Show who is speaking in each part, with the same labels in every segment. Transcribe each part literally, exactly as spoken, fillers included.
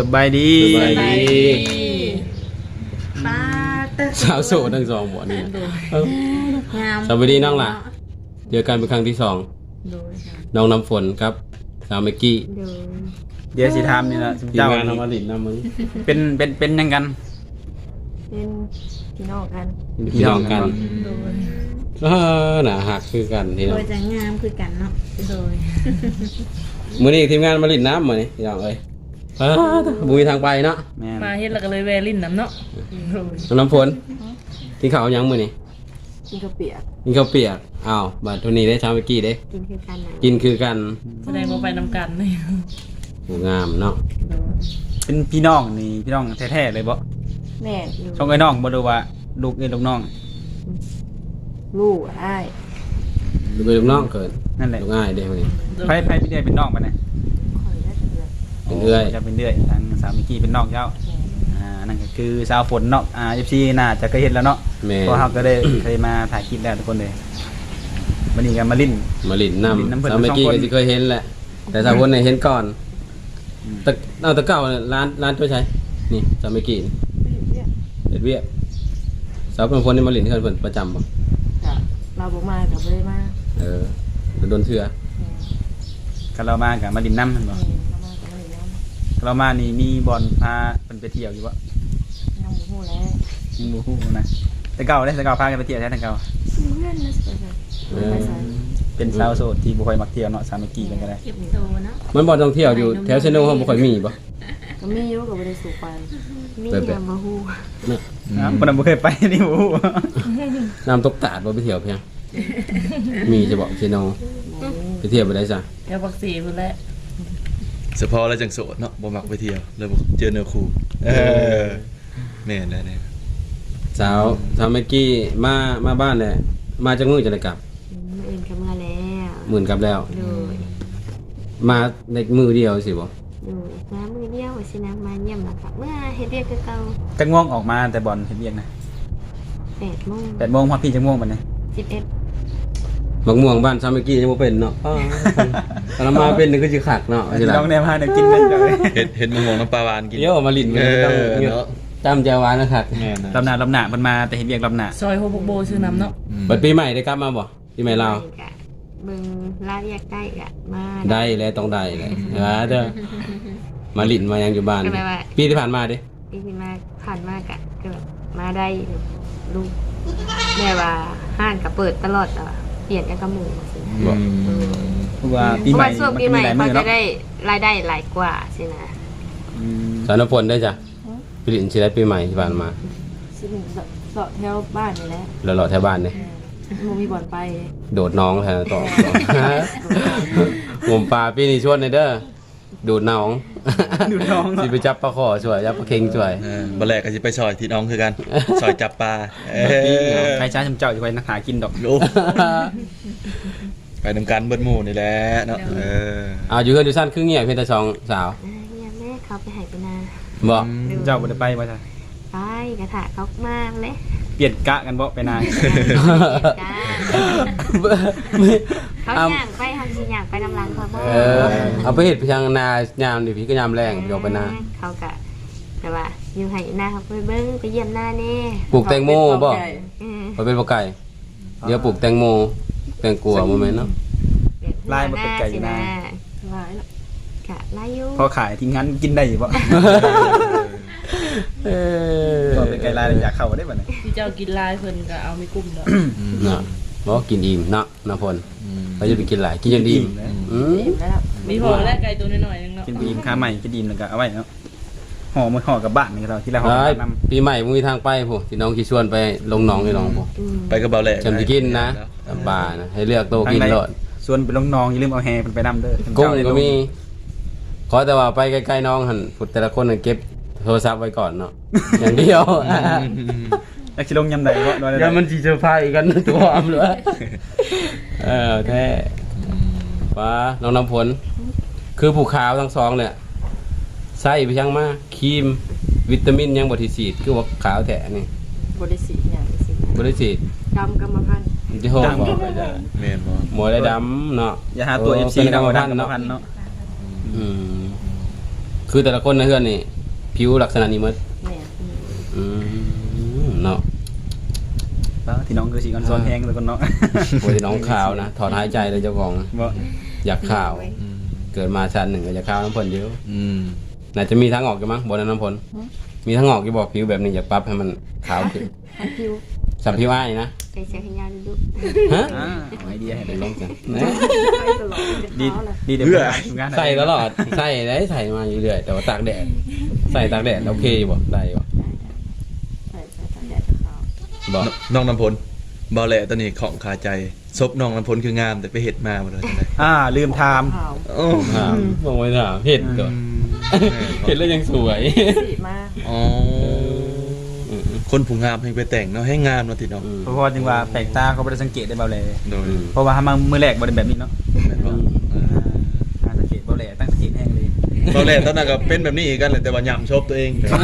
Speaker 1: บายดี
Speaker 2: สบายดี
Speaker 3: ป้าเตอ
Speaker 2: สาวโสดทั้งสองบ่นี่เอ้าง
Speaker 3: าม
Speaker 2: สวัสดีน้องล่ะเจอกันเป็นครั้งที่สอง
Speaker 3: โดย
Speaker 2: น้องน้ำฝนครับสาวเมกกี้
Speaker 3: โดย
Speaker 1: เดี๋ยวสิถามนี่ล่ะ
Speaker 2: ทีม
Speaker 1: เจ้าง
Speaker 2: านทำมาลินนำมึง
Speaker 1: เป็นเป็นเป็นยังกัน
Speaker 3: เป็นพี่น้องกัน
Speaker 2: พี่น้องกัน
Speaker 3: โดย
Speaker 2: เออน่ะหักคือกันพี่
Speaker 3: โด
Speaker 2: น้อง
Speaker 3: ยจะงามคือกันเนาะโดย
Speaker 2: มื้อนี้ทีมงานมาลินน้ำมื้อนี้พี่น้องเอ้ยเออบุยทางไปเนาะ
Speaker 1: แม่น
Speaker 4: มาเฮ็ดแล้วก็เลยแวลินน้ำเนาะ
Speaker 2: น้องน้ำฝนกินข้าวยังมื้อนี้
Speaker 3: กินกระเปียก
Speaker 2: กินข้าวเปียกอ้าวบัดเทุนี้ได้สาวเมกกี้เด้
Speaker 3: กินคือกันนะ
Speaker 2: กินคือกัน
Speaker 4: แสดงว่าไปนำกันเลย
Speaker 2: โหงามเนาะ
Speaker 1: เป็นพี่น้องนี่พี่น้องแท้ๆเลยบ่
Speaker 3: แม่อยู่
Speaker 1: ช่องไอ้น้องบ่รู้ว่าลูกเอ้ยลูกน้อง
Speaker 3: ลูกอ้าย
Speaker 2: ลูกเอ้ยลูกน้องเกิด
Speaker 1: นั่นแหละ
Speaker 2: ลูกง่ายเด้มื้อนี้
Speaker 1: ไผไผพี่เด้เป็นน้องปะเนี่ย
Speaker 3: คอยได้เดือน
Speaker 2: เป็นเอื้อย
Speaker 1: จะเป็นเอื้อยทางสาวมิกกี้เป็นน้องเจ้าอ่านั่นก็คือสาวฝนเนาะอ่า เอฟ ซี น่าจะเคยเห็นแล้วเนาะ
Speaker 2: แม่
Speaker 1: เพราะเฮาก็ได้ เคยมาถ่ายคลิปแล้วทุกคนเลยวันนี้ก็มาลิ้น
Speaker 2: มาลิน
Speaker 1: ลิ้นน้ำ
Speaker 2: น้ำ
Speaker 1: เพิ่น
Speaker 2: สาวเมกกี้
Speaker 1: สองคน
Speaker 2: ก็สิเคยเห็นแหละ แต่สาวคนเนี่ยเห็นก่อน
Speaker 1: อืม
Speaker 2: ตะเอาตะเก้าเนี่ยร้านร้านตัวใช้นี่สาวเมกกี้นี่เด็ดเวียกสาวเป็นคนที่มาลินเพื่อนเพิ่นประจำบ่
Speaker 3: จ้ะเราบอกมากับไม่ได้มา
Speaker 2: เออโดนเถื่อ
Speaker 1: ก็เรามากับมาลิ้นน้ำมันบ่
Speaker 3: เรามากับไม่ได้น้ำ
Speaker 1: ก็เรามานี่มีบอลพาเพิ่นไปเที่ยวอยู่บ่
Speaker 3: น้องหูแล้ว
Speaker 1: ยังบ่ฮู้นะแต่เก่าเด้แต่เก่าพากันไปเที่ยวแท้แต่เก่า
Speaker 3: เพื่อนนะสิไปใส่
Speaker 1: เป็นสาวโสดที่บ่ค่อยมักเที่ยวเนาะสาวมิกกี้กันก็ได้
Speaker 3: เก็บโตเนาะ
Speaker 2: มันบ่ต้องเที่ยวอยู่แถวเซโนเขาบ่ค่อยมีบ่
Speaker 3: ก็มีอยู่กับไม่ได้สู่ไปมี
Speaker 2: แบบแบบ
Speaker 3: ยามมาหู
Speaker 2: เนี่ย
Speaker 1: นะบ่นำบ่เคยไปนี่บ่ฮู้
Speaker 2: น้ำตกตาดบ่ไปเที่ยวเพียงมีจะบอกเซโนไปเที่ยวบ่ได้ซะ
Speaker 4: แกบักสีพุ่นแหละ
Speaker 5: เฉพาะแล้วจังโสดเนาะบ่มักไปเที่ยวเลยบ่เจอเนื้อคู่เออแม่นแล้วเนี่ย
Speaker 2: สาวสาวเมกกี้มามาบ้านแหละมาจากมื้อจะได้กลับ
Speaker 3: เอ็นกำมาแล้ว
Speaker 2: หมื่นกลับแล้ว
Speaker 3: โดย
Speaker 2: มาในมือเดียวสิบ่
Speaker 3: โดยมามือเดียวสินะมาเยี่ยมแล้วค่ะเมื่อเฮ็ดเรียกคือเก่า
Speaker 1: จักง่วงออกมาแต่บอลเฮ็ดเวียกนะ
Speaker 3: แปดโมง
Speaker 1: แปดโมงพอพี่จักง่วงบัดนี้
Speaker 3: สิบเอ็ด
Speaker 2: บักม่วงบ้านซาเมกี้ยังบ่เป็นเนาะอ้าวตอนมาเป็นนี่คือสิคักเนาะสิล่ะ
Speaker 1: น้องแนมพาเนี่ยกินนั่นเลย
Speaker 5: เฮ็ดเฮ็ดมะม่วงน้ำปลาหวานกิน
Speaker 2: เดี๋ยวเอามาลิ้นกันต้อง
Speaker 5: เออ
Speaker 2: เงี้ย
Speaker 5: เนาะ
Speaker 2: จำใจหวานนะครับ
Speaker 5: แม่นนะ
Speaker 1: ลำหน้าลำหน้ามันมาแต่เฮ็ดเวียกลำหน้า
Speaker 4: ซอยโฮบกโบชื่อน้ำเนาะ
Speaker 5: อืม
Speaker 2: บัดปีใหม่ได้กลับมาบ่ปีใหม่ลาว
Speaker 3: กะเบิ่งลาเรียกได้กะมา
Speaker 2: ได้แล้วต้องได้แหละนะเด้อมาลิ้นมายังอยู่บ้าน
Speaker 3: ก็แปลว่า
Speaker 2: ปีที่ผ่านมาดิ
Speaker 3: ปีที่มาผ่านมากะก็แบบมาได้ลูกแม่ว่าห้างก็เปิดตลอดอ่ะเปลี่ยนกันกับหมู่สินะ
Speaker 2: บ่
Speaker 1: เพราะว่า
Speaker 3: เพ
Speaker 1: ปี
Speaker 3: ราะ
Speaker 1: ใหม่
Speaker 3: ว่าช่วง
Speaker 1: มัน
Speaker 3: ปี
Speaker 1: ก็
Speaker 3: ให
Speaker 1: มี
Speaker 3: ม่
Speaker 1: หลาย
Speaker 3: เขา
Speaker 1: มื้อ
Speaker 3: จะ
Speaker 1: เนาะ
Speaker 3: ได้รายได้หลายกว่าสินะ
Speaker 1: อืม
Speaker 2: สารพลได้จ้ะปีลิ้นสิได้ปีใหม่ที่ผ่านมา
Speaker 3: สิหนึ่งเสาะแถวบ้านนี่แหละ
Speaker 2: แล้วรอแถวบ้านนี่
Speaker 3: หมูมีบ่อนไป
Speaker 2: โดดน้องแทนต่อผมปลาปีนี้ชวนในเด้อดูดน้อง
Speaker 1: ดูน้อง
Speaker 2: สิไปจับปลาขอช่วยจับปลาเค็งช่วย
Speaker 5: เออบ่แลกก็สิไปซอยที่น้องคือกันซอยจับปลาเออ
Speaker 1: ใครช้าชำเจ้าอยู่ไว้นักหากินดอก
Speaker 5: โอ้ไปนำกันเบิดหมู่นี่แหละเนาะเออ
Speaker 2: เอาอยู่เฮือนอยู่สั้นครึ่งเงียบเพียงแต่สองสาว
Speaker 3: อ่าเนี่ยแม่เขาไปใหายไปนา
Speaker 2: บ่
Speaker 1: เจ้าบ่ได้ไปบ่จ้ะ
Speaker 3: ไปกระถาเขามากเลย
Speaker 1: เปลี่ยนกะกันบ่ไปนาน
Speaker 3: จ้า
Speaker 2: ไม่
Speaker 3: เขา
Speaker 2: เอา
Speaker 3: ย่างไปทำสิย่างไปนำรังเขาบ่
Speaker 2: เออเอาไปเห็ดไปทางนายามดิพี่ก็ยามแรงเดี๋ยวไปนา
Speaker 3: เขากะแต่ว่าอยู่ให้นาเขาไปเบิ้งไปเยี่ยมหน้าแน่
Speaker 2: ปลูกแตงโมบ่
Speaker 3: เออ
Speaker 2: ไปเป็นบ่ไก่เดี๋ยวปลูกแตงโมแตงกัวบ่แม่นเนาะ
Speaker 1: ลายบ่เป็นไก่อยู่นะ
Speaker 3: ลายแล้วกะลายอยู่
Speaker 1: พอขายที่งั้นกินได้อยู่บ่
Speaker 2: เออ
Speaker 1: ก็เป็นไก่ลายแล้วอยากเข้าได้บ่เนี่ย
Speaker 4: ที่เจ้ากินลายเพิ่นก็เอาไม่กุ้มดอก
Speaker 2: เนาะบ่กินอิ่มเนาะน้ำพล
Speaker 5: อืม
Speaker 2: เขาจะไปกินหลายกินจนอิ่มอืม
Speaker 3: อิ่มแล้ว
Speaker 4: มีพอแลกไก่ตัวน้อยๆนึงเนาะ
Speaker 1: กินบีมค้าใหม่กินดีมแล้วก็เอาไว้เนาะห่อมาห่อกับบ้านนี่เราที่เราห่อ
Speaker 2: เอ้ย
Speaker 1: กับน้ำ
Speaker 2: ปีใหม่มึงมีทางไปผู้ที่น้องสิชวนไปลงหนองนี่น้องผู้
Speaker 3: อืม
Speaker 5: ไปกับเบาแหลก
Speaker 2: จำสิกินนะป่านะให้เลือกโตกินโลด
Speaker 1: ส่วนไปลงน้องอย่าลืมเอาแฮมันไปนำเด้อ
Speaker 2: กุ้งก็มีขอแต่ว่าไปใกล้ๆน้องหันพุดแต่ละคนหันเก็บโทรศัพท์ไว้ก่อนเนาะ อย่างเดียว
Speaker 1: อยากสิลงยำใดก็ได้
Speaker 2: เดี๋ยวมันจีเซอร์ไพรส์กันตัวอมเลยเออแท้ป้าน้องน้ำผล คือผูขาวทั้งสองเนี่ยใส่ไปยังมาครีมวิตามินยังบริสีดคือว่าขาวแท้นี่
Speaker 3: บริสีอย่างบริสี
Speaker 2: บริสีด
Speaker 3: ดำกรรมพันธุ์
Speaker 2: จะโหบอก
Speaker 5: แม่นบ่
Speaker 2: หมวยได้ดำเนาะ
Speaker 1: อย่าหาตัว เอฟ ซี
Speaker 2: เป็นกรรม
Speaker 1: เอา
Speaker 2: พั
Speaker 1: ดั
Speaker 2: น
Speaker 1: ง
Speaker 2: ธุ์
Speaker 1: กรรม
Speaker 2: เนาะ
Speaker 1: พันธุ์เนาะ
Speaker 2: อืมคือแต่ละคนในเพื่อนนี่ผิวลักษณะนี้หมด
Speaker 4: แม่น
Speaker 2: อืมเนาะ
Speaker 1: แล้วที่น้องคือสีกันซ้อนแห้งแล้วก็เนาะ
Speaker 2: โอ้ยน้องขาวนะถอนหายใจเลยเจ้าของ
Speaker 1: บ่
Speaker 2: อยากขาว
Speaker 5: อืม
Speaker 2: เกิดมาชาติหนึ่งก็อยากขาวน้ำพ่นเยอะ
Speaker 5: อืม
Speaker 2: น่าจะมีทางออกอยู่มั้งบนน้ำพ่นมีทางออกที่บอกผิวแบบนี้อยากปรับให้มันขาวขึ้น
Speaker 3: ทันคิว
Speaker 2: สับผิวอ้ายนะ
Speaker 3: ไปเสียให้ยาดู
Speaker 2: ฮะ
Speaker 1: อ่าเอาไอเดียให้
Speaker 2: ไป
Speaker 1: ได้
Speaker 2: ล
Speaker 1: ล
Speaker 2: อง
Speaker 1: ง
Speaker 2: กัน
Speaker 3: ไปตลอดเป็น
Speaker 1: ดี
Speaker 3: เท้าเลย
Speaker 1: ดีเดี๋ยว
Speaker 5: เพื่อ
Speaker 1: ทำงาน
Speaker 2: ใส่ตลอดใส่ได้ใส่มาอยู่เรื่อยแต่ว่าตากแดดใส่ตากแดดโอเคอยู่บ่ได้บ่
Speaker 3: ใส่ใส่ตามแดดขาว
Speaker 2: บ่
Speaker 5: น้องน้ำพลบ่แหละตอนนี้ของคาใจซบน้องน้ำพลคืองามแต่ไปเฮ็ดมาบ่ได้จังได๋
Speaker 1: อ่าลืมถาม
Speaker 3: ขาว
Speaker 5: โอ้
Speaker 2: ถามมองไปถามเห็ดก่อนเห็ดแล้วยังสวย
Speaker 3: สีมาก
Speaker 5: อ๋อคนผู้งามให้ไปแต่งเนาะให้งามเนาะติเนาะ
Speaker 1: เพราะว่าจึงว่าแปลกตาเขาบ่ได้สังเกตได้เบาเลย
Speaker 5: โดย
Speaker 1: เพราะว่าถ้ามามื้อแรกบ่ได้แบบนี้เนาะ
Speaker 5: แม่นบ่เออ
Speaker 1: อ่าสังเกตเบาเลยตั้งสังเกตแห้งเลย
Speaker 5: ตอนแรกตอนนั้นก็เป็นแบบนี้อีกกันแหละแต่ว่าย่ำชบตัวเอง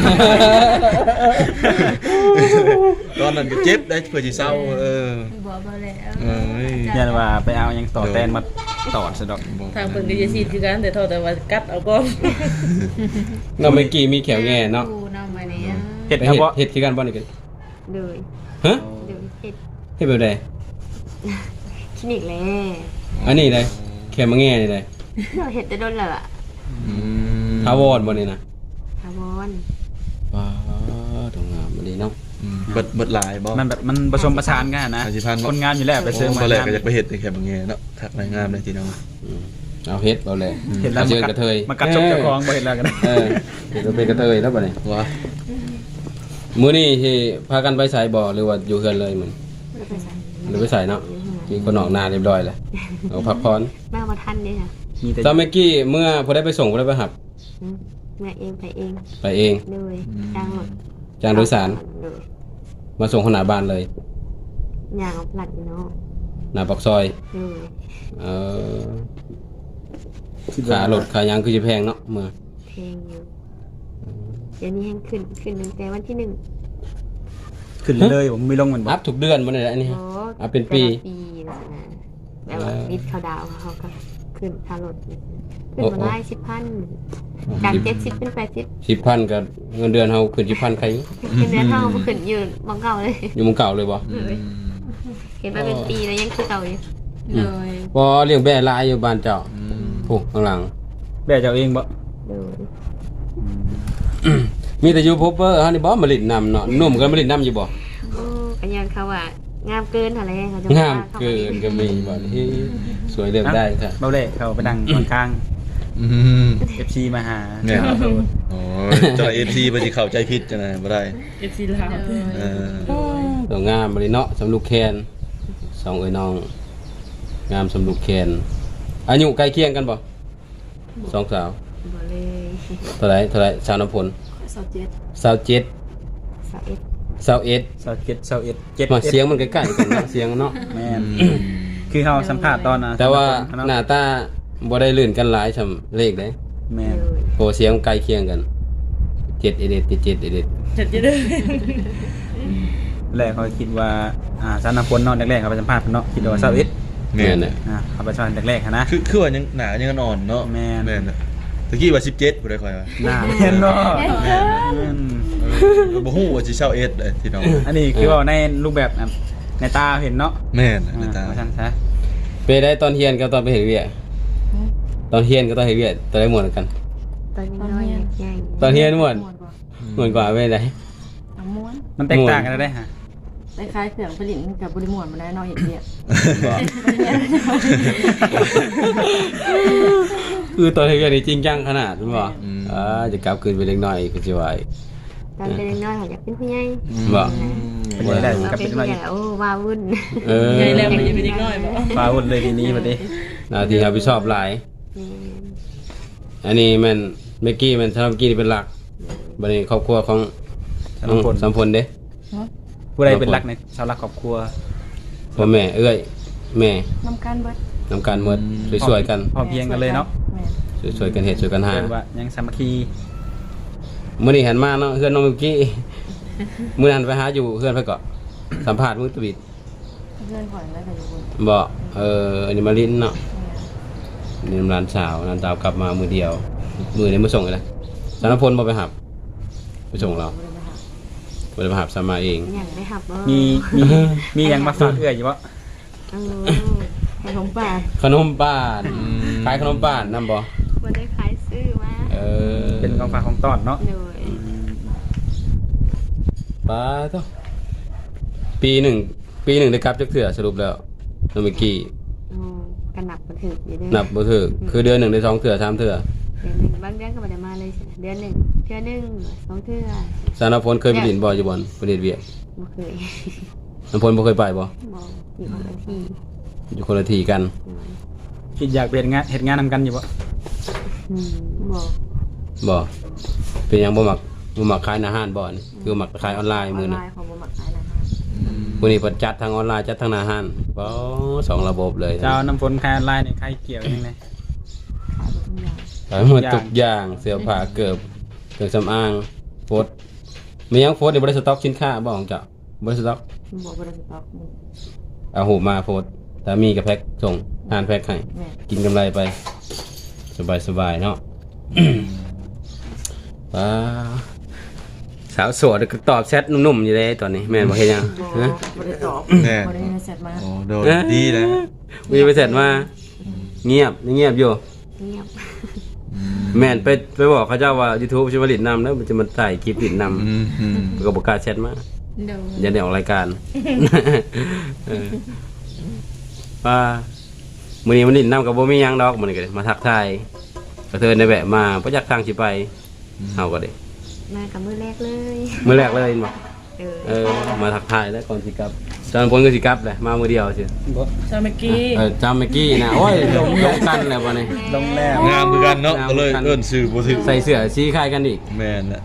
Speaker 5: ตอนนั้นก็เจ็บได้เพื่อสิเศร้าเออ
Speaker 3: บอกมาแล้ว
Speaker 5: เอ้ย
Speaker 1: ยันว่าไปเอาหยังต่อแตนมาตอดซะดอก
Speaker 4: ทางเพิ่นก็จะฉีดคือกันแต่เท่าแต่ว่ากัดเอาก่อน
Speaker 2: เราเมื่อกี้มีแขวแง่เนาะ
Speaker 3: ดูน้ำมาเนี่ย
Speaker 1: เห็ด
Speaker 2: เห็
Speaker 1: ครับ
Speaker 2: ด
Speaker 1: บ่
Speaker 2: เห็ดคือกันบ่นี่กัน
Speaker 3: เลย
Speaker 2: ฮะ
Speaker 3: เดี๋ยวเห็ด
Speaker 2: เห็ดแบบใด
Speaker 3: คลินิกแล้ว
Speaker 2: อันนี้เลยแขวมาแง่นี่เลย
Speaker 3: เราเห็ดจะโดนเลยอะ
Speaker 5: อืม
Speaker 2: ทาวอดบ่นี่นะ
Speaker 3: ทาวอน
Speaker 2: ว้าวตรงงามบ่ดีเนาะ
Speaker 5: อืมเบิดเบิดหลายบ่
Speaker 1: มันแบบมันผสมประสานกันนะ
Speaker 5: สามสิบพันบ่
Speaker 1: คนงานอยู่แล้วไปเสริม
Speaker 5: ตอนแรก
Speaker 1: งาน
Speaker 5: ก็อยากไปเฮ็ดแต่แค่บางแง่เนาะทักรายงามเลยทีน้อง
Speaker 2: อืมเอาเห็ดเอาเลย
Speaker 1: เห็นแล้ว
Speaker 2: เจ
Speaker 1: มา
Speaker 2: อ
Speaker 1: กั
Speaker 2: กระเทย
Speaker 1: มากัดชกเจ้าของบ่เห็นแล้วกัน
Speaker 2: เออเห็ดเราเป็นกระเทยแล้วบ่นี่
Speaker 5: ว่า
Speaker 2: มื้อนี้ที่พากันไปสายบ่หรือว่าอยู่เฮือนเลยเหมือน
Speaker 3: เราไปใส่
Speaker 2: หรือไปสายเนาะมีคนออกหน้าเรียบร้อยแล้วเอาพักผ่อน
Speaker 3: แม่มาทันเนี่ยค่ะ
Speaker 1: มีแต่
Speaker 2: ตอนเมื่อกี้เมื่อพอได้ไปส่งพอได้ไปหับ
Speaker 3: อืมแม่เองไปเอง
Speaker 2: ไปเอง
Speaker 3: เลยจ้างรถ
Speaker 2: จางโดยสาร
Speaker 3: เลย
Speaker 2: มาส่งขนาดบ้านเลย
Speaker 3: ยางเอาผลัดเนาะ
Speaker 2: หน้าปากซอย
Speaker 3: เลย
Speaker 2: เออขารถขายางคือจะแพงเนาะเมื่อ
Speaker 3: เพลงอยู่เดี๋ยวนี้แห้งขึ้นขึ้นตั้งแต่วันที่หนึ่ง
Speaker 1: ขึ้นเลยผมไม่ลงเหมือนบ่
Speaker 2: อัพทุกเดือนมันเลยอันนี้
Speaker 3: โอ้
Speaker 2: อัพเป็นปี
Speaker 3: แต่ละปีนะแบบว่ามิดเขาดาวเขาก็ขึ้นค่ารถขึ้นมาได้สิบพันจากเจ็ดสิบเป็นแปดสิบ
Speaker 2: สิบพันกับเงินเดือนเขาขึ้นสิบพันใคร
Speaker 3: เป็นเนื้อเท่าขึ้นยืนมองเก่าเลย
Speaker 2: อยู่เมึงเก่าเลยบ่
Speaker 3: เลยเห็นมาเป็นปีแล้วยังคือเก่าอยู่
Speaker 2: อืมบ่เลี้ยงแบ่ลายอยู่บ้านเจ้า
Speaker 5: อืม
Speaker 2: โอ้ข้างหลัง
Speaker 1: แบ่เจ้าเองบ่
Speaker 3: เลย
Speaker 2: มีแต่อยู่พบเปอร์เฮานี่บ่มาลิดน้ำเนาะหนุ่มก็มาลิดน้ำอยู่บ่
Speaker 3: โอ้กันยังเขาว่างามเกินอะไรเขาจะ
Speaker 2: งามเกินก็มีบ่นี่สวยเลือกได้ค่ะ
Speaker 1: เบาเลยเขาไปดังค่อนข้าง
Speaker 5: อืม
Speaker 1: เอฟซีมาหา
Speaker 5: เนี่ยโอ้ยเจ้า เอฟ ซี บ่สิเข้าใจผิดจังได๋บ่ได้
Speaker 4: เอฟซีลาว
Speaker 5: เออ
Speaker 2: ตัวงามบ่นี่เนาะสำลูกแคนสองเอ้ยน้อง งามสำลูกแคนอายุใกล้เคียงกันบ่สองสาว
Speaker 3: บ่เลย
Speaker 2: เท่าไหร่เท่าไหร่สาวน้ำผล
Speaker 3: สาวเจ็ด
Speaker 2: สาวเจ็ด
Speaker 3: สาวเอ็ด
Speaker 2: สาวเอ็ด
Speaker 1: เสาเจ็ดเสาเอ็ดเจ็ด
Speaker 2: มาเสียงมันใกล้ๆกันเนาะเสียงเนาะ
Speaker 1: แม่นคือเขาสัมภาษณ์ตอนน่ะ
Speaker 2: แต่ว่าห
Speaker 1: ห
Speaker 2: น้าตาบ่ได้ลื่นกันหลายซำเลขเด้
Speaker 1: แม่น
Speaker 3: เลย
Speaker 2: โอเสียงใกล้เคียงกันเจ็ดเอเดดเจ็ดเอเดด
Speaker 4: จัดจะได้
Speaker 1: แรกเขาคิดว่าอ่าสานพลเนาะแรกๆเขาไปสัมภาษณ์เพิ่นเนาะคิดว่าเสาเอ็ด
Speaker 5: แม่
Speaker 2: แม่น
Speaker 5: น
Speaker 2: น่ะ
Speaker 1: อ่าเขาไปสัมภาษณ์แรกๆหันนะ
Speaker 5: คือคือว่ายังหนายังอ่อนเนาะ
Speaker 1: แม่น
Speaker 5: แม่นน่ะตะกี้ว่าสิบเจ็ดบ่ได้ค่อยว่า
Speaker 1: หน้าแม่นเนาะแม่น
Speaker 5: เออบ่ฮู้ว่าสิเช่าเอสเลยที่น้อง
Speaker 1: อันนี้คือว่าในรูปแบบอ่ะในตาเห็นเนาะ
Speaker 5: แม่น
Speaker 1: อ่า
Speaker 5: น่ะตา
Speaker 1: ว่าซั่นซะ
Speaker 2: ไปได้ตอนเฮียนกับตอนไปเฮ็ดเวียกตอนเฮียนกับตอนเฮ็ดเวียกตอนได้ม่วนกัน
Speaker 3: ตอนนี้น้อยใหญ่
Speaker 2: ตอนเฮียนม่วนม่วนกว่าไปได้
Speaker 6: เอาม้วน
Speaker 1: มันแตกต่างกันได้ฮะ
Speaker 6: คล้ายๆเครื่องผลิตกับบริมวนมาได้เนอกเห็ดเนี่ย
Speaker 2: คือตอนเฮ็ดเวียกนี่จริงจังขนาดนั้นบ่อ่าจะกลับคืนไปเล็กน้อยก็สิว่าอีก
Speaker 3: ตอนเป็นน้อยเขาอยากเป็นผู้ใหญ่
Speaker 2: บ่
Speaker 1: เป็นยังไง
Speaker 3: เรา
Speaker 1: กับ
Speaker 3: เป็
Speaker 1: เป็น น
Speaker 3: ผู้
Speaker 1: ว่า
Speaker 3: ใหญ่โอ้ว้าวุ่น
Speaker 2: เออ
Speaker 4: ใหญ่แล้วมันยังเป็นเด็กน้อยบ่
Speaker 1: ฟ้าวุ่นเลยทีนี้บัดนี้
Speaker 2: หน้าที่รับผิดชอบหลาย อันนี้แม่นเมื่อกี้แม่นสำหรับเมื่อกี้นี่เป็นหลักบัดนี้ครอบครัวของ
Speaker 1: สา
Speaker 2: น้อง
Speaker 1: มคน
Speaker 2: สัมพลเด้
Speaker 1: ผู้ใดเป็นรักในชาวรักครอบครัว
Speaker 2: พ่อแม่เอ้ยแม่
Speaker 6: น้ำกันเบิด
Speaker 2: นำการหมดสวยๆกัน
Speaker 1: พอเพียงกันเลยเนาะ
Speaker 6: แม่
Speaker 2: สวยๆกันเฮ็ดสวยกันหา
Speaker 1: เรียกว่ายังสามัคคี
Speaker 2: มื้อนี้หันมาเนาะเฮือนน้องเมื่อกี้มื้อนั้นไปหาอยู่เฮือนไปเกาะสัมภาษณ์มื้อตะบิด
Speaker 6: เพื่อนข่อยแล้วก็อยู่บน
Speaker 2: บ่เอออันนี้มาลิ้นเนาะนี่ร้านสาวร้านสาวกลับมามื้อเดียวมื้อนี้มาส่งเลยนะสารพลบ่ไปหับไปส่งเราบ่ได้มาหาสามาเอง
Speaker 3: อยากได้หับบ่
Speaker 1: มีมีมีหยังมาฝากเอื้อยอยู่บ่
Speaker 3: เออ
Speaker 6: ขนมป่า
Speaker 2: ขนมบ้านขายขนมบ้านนำบ่
Speaker 3: บ่ได้ขายซื้อมา
Speaker 2: เออ
Speaker 1: เป็นของฝากของต้อนเนาะ
Speaker 3: โดย
Speaker 2: ป้าต้องปีหนึ่งปีหนึ่งได้กลับจักเทื่อสรุปแล้วน้องเมื่อกี้
Speaker 3: โอ้กันนับบ่ถึกอยู่เด้อ
Speaker 2: นับบ่ถูกคือเดือนหนึ่งได้สองเทื่อสามเทื่อ
Speaker 3: เดือนหนึงบางเดือนก็บ่ได้มาเลยเดือนหนึงเทื่อหนึงสองเทื่อ
Speaker 2: สารพลเคยไปดินบ่อยู่บ่อนประเทศเวียด
Speaker 3: บ่เคย
Speaker 2: น้ำพลบ่เคยไปบ่
Speaker 3: บ่อยู่คนละที่
Speaker 2: อยู่คนละที่กัน
Speaker 1: คิดอยากเป็นงานเฮ็ดงานนำกันอยู่บ่
Speaker 3: อืมบ่
Speaker 2: บ่เป็นหยังบ่มักบ่มักขายอาหารบ่อนคือมักขายออนไลน์
Speaker 6: ออ
Speaker 2: มื้อน
Speaker 6: ไล
Speaker 2: นี้
Speaker 6: น์ของบ่มักขายนะฮะ
Speaker 2: มื้อนี้เพิ่นจัดทางออนไลน์จัดทางอาหารบ่สองระบบเลย
Speaker 1: เจ้าน้ำฝนคายออนไลน์นี่ใครเกี่ยวยังไง
Speaker 6: ขายหมดทุกอย่าง
Speaker 2: ขายหมดทุกอย่างเสื้อผ้าเกือบเครื่องสำอางโฟดมีหยังโฟดนี่บ่ได้สต็อกสินค้าบ่ของเจ้าบ่ได้สต็อก
Speaker 6: บ่บ่ได้สต็อกนี่
Speaker 2: เอาหูมาโพดถ้ามีกับแพ็คส่งทานแพ็คให้
Speaker 6: แม่
Speaker 2: กินกำไรไป สบายสบายๆเนาะ ว้าวสาวโสดก็ตอบแชทนุ่มๆอยู่เลยตอนนี้แม่นบ่เฮ็ดหยัง
Speaker 6: บ่
Speaker 2: ฮะ
Speaker 6: บ่ได้ตอบ
Speaker 5: แน่
Speaker 6: บ่ได้เสร็จมา
Speaker 5: โอ้โดนดีนะ
Speaker 2: มีไปเสร็จมาเงียบเงียบอยู่
Speaker 3: เงียบ
Speaker 2: แม่นไปไปบอกเขาเจ้าว่า YouTube สิมาลิดนำแล้วมันจะมาถ่ายคลิปลิดนำ
Speaker 5: อืมอืม
Speaker 2: ก็บ่กล้าแชทมา
Speaker 3: โดย
Speaker 2: อย่าได้ออกรายการ เออว่ามื้อนี้มันลิดนำกับบ่มีหยังดอกมื้อนี้ก็ได้มาทักทายกระเทินในแวะมาบ่จักทางสิไปเฮาก็ได้
Speaker 3: มากับมือแรกเลย
Speaker 2: มื้อแรกเลยบ่
Speaker 3: เออ
Speaker 2: เออมาทักทายแล้วก่อนสิกลับจอนพลก็สิกลับแหละมามื้อเดียวสิ
Speaker 1: บ่
Speaker 4: ชาเมื่อกี้
Speaker 2: เออจำเมื่อกี้นะโอ้ยลงลงกันแล้วบ่นี่
Speaker 1: ลงแล้ว
Speaker 5: งามคือกันเนาะก็เลยเอิ้นชื่อบ่ถึง
Speaker 2: ใส่เสื้อสีคล้ายกันอีก
Speaker 5: แม่นน่ะ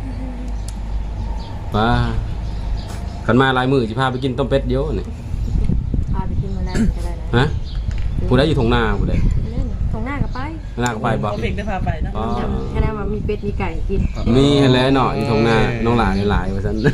Speaker 2: ว้าคันมาหลายมื้อสิพาไปกินต้มเป็ดเดียวนี่
Speaker 6: พาไปกินมื้อแรกก็ได้นะ
Speaker 2: ฮะผู้ใดอยู่ทงนาผู้ใด
Speaker 6: เล่นตรงหน้าก็ไป
Speaker 2: นาก็ไปบ่
Speaker 4: เอาเพลงได้พาไปนะ
Speaker 2: อ๋อ
Speaker 6: แค่นั้นว่ามีเป็ดมีไก่กิน
Speaker 2: มีหั่นแหละเนาะอยู่ทงนาน้องหลานหลายว่าซั่น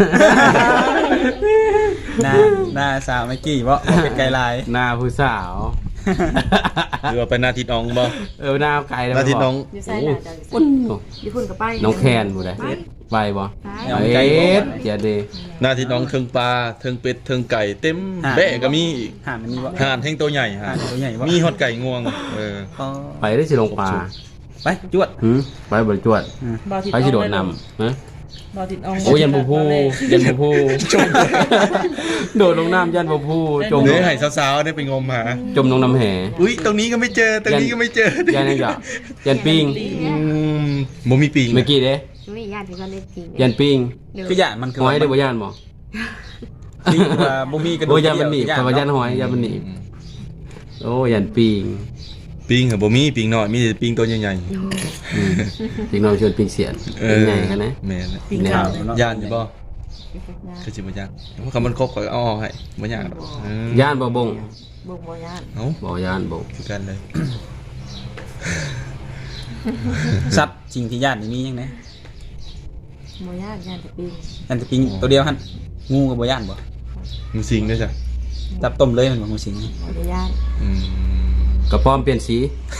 Speaker 1: หน้าหน้าสาวเมื่อกี้บ่บ่เป็นไกลลาย
Speaker 2: หน้าผู้สาว
Speaker 5: หรือว่าไปนาทิดน้องบ่
Speaker 2: เออหน้าไกลแล้ว
Speaker 5: นาทิดน้อง
Speaker 6: อยู่ไสล่ะเจ้า
Speaker 2: ปุ่น
Speaker 6: อยู่พุ่นก็ไป
Speaker 2: น้องแคนผู้ใด
Speaker 6: ไป
Speaker 2: ไปบ่
Speaker 1: เอา
Speaker 2: เอ
Speaker 1: ไกลบ่
Speaker 2: ๊ะเดี๋ยวดิ
Speaker 5: นาทิดน้องเทิงปลาเทิงเป็ดเทิงไก่เต็มแบะก็มีอีก
Speaker 1: ห่านมันมีบ่
Speaker 5: ห่านแห่งตัวใหญ่
Speaker 1: ห่า
Speaker 5: ห่าน น
Speaker 1: ตัวใหญ่บ่
Speaker 5: มีฮอดไก่งวงเออ
Speaker 1: อ๋อ
Speaker 2: ไปได้สิลงปลา
Speaker 1: ไปจวด
Speaker 2: หืมไปบริจวด
Speaker 4: บาวติด
Speaker 2: ไปสิโดดนำฮะ
Speaker 4: บาวติดออง
Speaker 2: โอ้ยันบูพูยันบูพูจมโดดลงน้ำยันบูพูจม
Speaker 5: เดี๋ยวให้สาวๆได้ไปงมหา
Speaker 2: จมลงน้ำแห่
Speaker 5: อุ้ยตรงนี้ก็ไม่เจอตรงนี้ก็ไม่เจอ
Speaker 2: ยันยังจะยันปิง
Speaker 5: อืมบ่มีปีง
Speaker 2: เมื่อกี้เด้
Speaker 3: ไม่ญาติที่ก็ได้จริง
Speaker 2: ยันปิง
Speaker 3: เดี๋ยว
Speaker 1: คือหยาดมันคือ
Speaker 2: หอยได้บ่ยันบ่
Speaker 1: คือว่าบ่มีกระดู
Speaker 2: โอ้
Speaker 1: ก
Speaker 2: ยันมันหนีบ
Speaker 1: เดียว
Speaker 2: คำว่ายันหอยยันมันหนีบโอ้ยันปิง
Speaker 5: ปีงเหรอบ่มีปีงน้อยมีแต่ปีงตัวใหญ่
Speaker 2: อืมปิงน้อยชวนปิงเสียน
Speaker 5: ๆเอ
Speaker 2: ปิง
Speaker 5: อ
Speaker 2: ใหญ่กันนะ
Speaker 5: แม่นน่ะ
Speaker 4: ปิง
Speaker 2: เนี่ย
Speaker 4: ขาว
Speaker 5: ย่านอยู่บ่คือสิบ่ย่านเพราะคำมันครบก็เอาออกให้บ่ย่านดอกเออย่
Speaker 2: านบ่บง
Speaker 6: บ่บ่ย่าน
Speaker 5: เอ้า
Speaker 2: บ่ย่านบง
Speaker 5: คือกันเลย
Speaker 1: สัตว์สิ่งที่ญาตินี่มียังไง
Speaker 6: บ่ย่านย่านแต่ปีน
Speaker 1: อันจะปิงตัวเดียวหั่นงูกับบ่ย่านบ่
Speaker 5: มึงสิงด้วยจ้ะ
Speaker 1: จับต้มเลยมันบ่งูสิง
Speaker 6: บ่ได้ย่าน
Speaker 5: อืม
Speaker 2: กระป้อมเปลี่ยนสี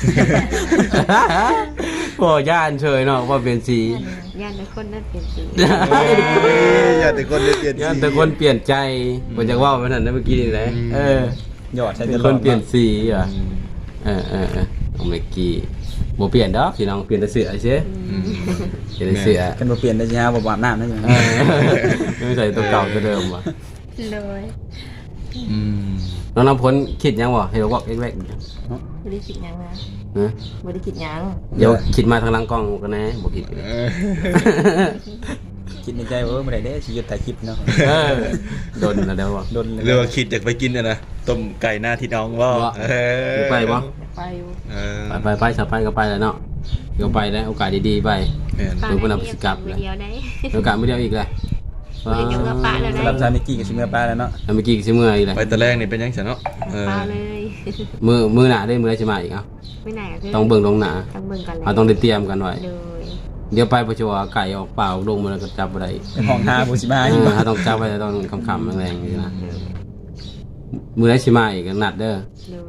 Speaker 2: โอ้ย่านเฉยเนาะว่าเปลี่ยนสี
Speaker 3: ญาติในคนนั้นเป็นจริง
Speaker 5: เอ้ยอย่าแต่คนได้เปลี่ยน
Speaker 2: ย่านแต่คนเปลี่ยนใจบ่จักว่ามันนั่นนะเมื่อกี้นี่แหละเออ
Speaker 1: หยอดใช้
Speaker 2: เป็
Speaker 1: ต
Speaker 2: น
Speaker 1: ล
Speaker 2: ค
Speaker 1: อด
Speaker 2: นเปลี่ยนสีอ่ะเออเออเออน้องเมกกี้บ่เปลี่ยนดอกพี่น้องเปลี่ยนแต่เสื้อเฉย
Speaker 5: อืม
Speaker 2: เปลี่ยนแต่เสื้อ
Speaker 1: กันบ่เปลี่ยนได้สิฮะบ่อาบน้ำนั่นอยู่
Speaker 2: เออไม่ใส่ตัวเก่าตัวเดิมว่ะ
Speaker 3: เลย
Speaker 5: อืม
Speaker 2: น้องน้ำพ้นคิดยังบ่ให้เราบอกแรก
Speaker 6: บ่ได้คิดหยังนะ
Speaker 2: ๆนะ
Speaker 6: บ่ได้คิดหยัง
Speaker 2: เดี๋ยวคิดมาทางหลังกล้องกันนะบ่คิด
Speaker 5: เออ
Speaker 1: คิดในใจว่าเออบ่ได้เด้สิหยุดถ่ายคลิปเนาะ
Speaker 2: เออโดนแล้วเดี๋ยวบ่
Speaker 1: โดนเลย
Speaker 5: เรียกว่าคิดอยากไปกินอ่ะนะต้มไก่หน้าที่น้องว่า
Speaker 2: บ่
Speaker 5: เออ
Speaker 2: ไปบ่
Speaker 6: ไปอยู่
Speaker 5: เออ
Speaker 2: ไปไปไปสไปก็ไปแล้วเนาะเดี๋ยวไปแล้วโอกาสดีๆไป
Speaker 5: แม่น
Speaker 3: ปลา
Speaker 2: เดี๋ยวเพิ่น
Speaker 3: ใน
Speaker 2: เอาไป
Speaker 3: นี้
Speaker 2: สิกลับ
Speaker 3: มือเดียวได้
Speaker 2: โอกาสไม่เดียวอีกเลย
Speaker 3: มือเดียวกับปลาแล้ว
Speaker 1: สำหรับ
Speaker 3: ได้
Speaker 1: ซามิกี้กับชิเมื่อปลาแล้วเนาะ
Speaker 2: แล้วเมื่อกี้ก็สิเมื่อยอีกเลย
Speaker 5: ไปแต่แรกนี่เป็นยังไงเนาะเออ
Speaker 3: ปลาเลย
Speaker 2: มือมือหนาได้มือได้สิมาอีกเอ้า
Speaker 3: ไม่ไหนก็คือ
Speaker 2: ต้องเบิ่งลงหนา
Speaker 3: ต้องเบิ่งกันเลย
Speaker 2: เราต้องได้เตรียมกันไว้
Speaker 3: เลย
Speaker 2: เดี๋ยวไปประชัวไก่ออกเปล่าลงมาแล้วก็จับบ่ได้
Speaker 1: เป็นห้องหาบูชิมา
Speaker 2: เอ
Speaker 1: อยู่
Speaker 2: อถ้าต้องจับไว้ต้องคำๆแรงๆนี่นะมือได้สิมาอีกก็นัดเด้อ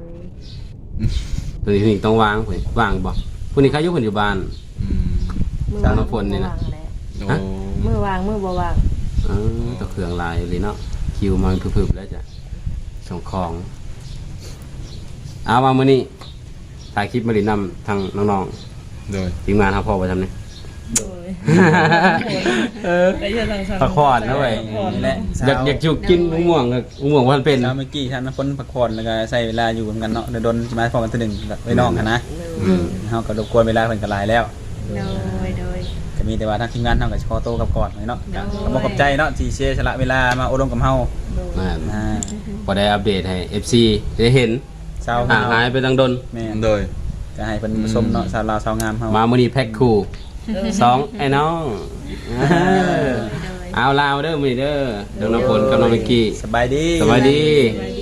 Speaker 3: เลย
Speaker 2: ตัวนี้นี่ต้องวางเพิ่นวางบ่ผู้นี้ใครอยู่เพิ่นอยู่บ้าน
Speaker 5: อืม
Speaker 6: มือ
Speaker 2: ตามมาฝนนี่นะ
Speaker 6: วางแหล
Speaker 5: โอ้
Speaker 2: ฮะ
Speaker 6: มือวางมือบ่วาง
Speaker 2: เออตัวเครื่องลายเลยเนาะคิวมันพึบๆแล้วจ้ะส่งของเอามามื้อนี้ถ่ายคลิปมาดินำทางน้อง
Speaker 5: โดย
Speaker 2: ๆทีมงานครับพ่อไปทำนี่
Speaker 4: โดย
Speaker 2: เออ
Speaker 4: ไปเชื่อทางสาว
Speaker 2: พักผ่อนนะเว้ย
Speaker 1: นี่แหละ
Speaker 2: อยากอยากจุกกินมะม่วงกับมะม่วงวันเป็น
Speaker 1: เช้าเมื่อกี้ท่านคนพักผ่อนแล้วก็ใช้เวลาอยู่เหมือนกันเนาะเดี๋ยวโดนมาพอกันทีหนึ่งไว้น้องกันนะ
Speaker 2: อืม
Speaker 1: เฮาก็รบกวนเวลาเพิ่นก็หลายแล้ว
Speaker 3: โดยโดย
Speaker 1: ก็มีแต่ว่าทางทีมงานเฮาก็ขอโตวกับก่อนเนาะก็ก็บ่ขอบใจเนาะที่เสียสละเวลามาอบรมกับเฮา
Speaker 2: นั่น
Speaker 1: อ่า
Speaker 2: พอได้อัปเดตให้ เอฟ ซี ได้เห็น
Speaker 1: สาว
Speaker 2: ห่างหายไปตั้งดน
Speaker 1: แม่น
Speaker 5: โดย
Speaker 1: ก็ให้เพิ่นชมเนาะสาวลาวสาวงามเฮา
Speaker 2: มามื้อนี้แพ็คคู่สองไอ้น้องเออ
Speaker 3: โดย
Speaker 2: เอาลาวเด้อมื้อนี้เด้อน้องน้ำฝนกับน้องมิกกี้
Speaker 1: สบายดี
Speaker 2: สวัสดี
Speaker 4: สบายดี